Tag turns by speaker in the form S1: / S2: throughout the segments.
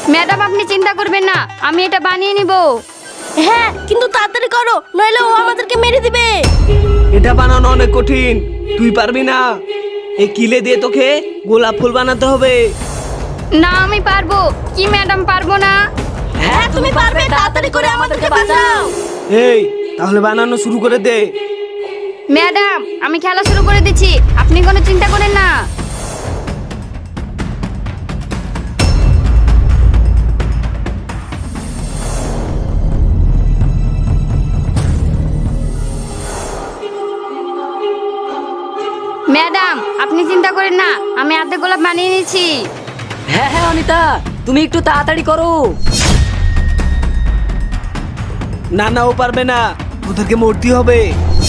S1: Madam আপনি চিন্তা করবেন না, আমি এটা বানিয়ে নিব।
S2: হ্যাঁ কিন্তু তাড়াতাড়ি করো, নইলে ও আমাদেরকে মেরে দিবে।
S3: এটা বানানো অনেক কঠিন, তুই পারবি না। এই কিলে দিয়ে তোকে গোলাপ ফুল বানাতে হবে।
S1: না আমি পারবো। কি ম্যাডাম পারবো না?
S2: হ্যাঁ তুমি পারবে, তাড়াতাড়ি করে আমাদেরকে বাঁচাও।
S3: এই তাহলে বানানো শুরু করে দে।
S1: ম্যাডাম আমি খেলা শুরু করে দিচ্ছি, আপনি কোনো চিন্তা করেন না। ম্যাডাম আপনি চিন্তা করেন না, আমি অর্ধেক গোলাপ বানিয়ে নিয়েছি।
S4: হ্যাঁ হ্যাঁ অনিতা, তুমি একটু তাড়াতাড়ি করো।
S3: না না, ও পারবে না, ওদেরকে মরতে হবে।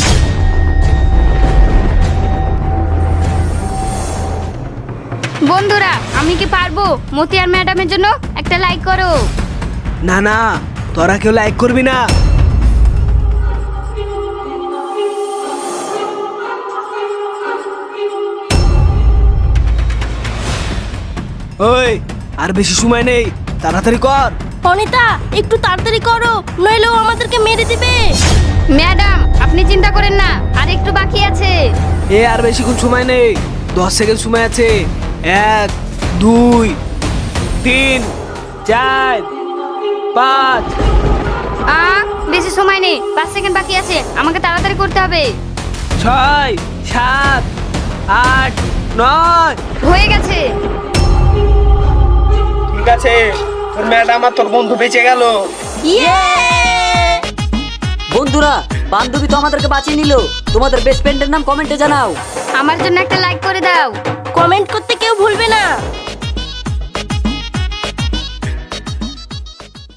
S1: বন্ধুরা আমি কি পারবো? মতিয়ার ম্যাডামের জন্য একটা লাইক করো।
S3: না না, তোরা কেউ লাইক করবি না। ওই আর বেশি সময় নেই, তাড়াতাড়ি কর।
S2: অনিতা একটু তাড়াতাড়ি করো, নইলে ও আমাদেরকে মেরে দিবে।
S1: ম্যাডাম আপনি চিন্তা করেন না, আর একটু বাকি আছে।
S3: আর বেশিক্ষণ সময় নেই, 10 সেকেন্ড সময় আছে। 1 2 3 4 5।
S1: বেশি সময় নেই, 5 সেকেন্ড বাকি আছে, আমাকে তাড়াতাড়ি করতে হবে।
S3: 6 7 8 9।
S1: হয়ে গেছে।
S3: ঠিক আছে, তোর ম্যাডাম আর তোর বন্ধু বেঁচে গেল।
S2: ইয়ে!
S4: বন্ধুরা, বান্ধবী তো আমাদেরকে বাঁচিয়ে নিল। তোমাদের বেস্ট ফ্রেন্ডের নাম কমেন্টে জানাও।
S1: আমার জন্য একটা লাইক করে দাও।
S2: কমেন্ট করতে কেউ ভুলবে না।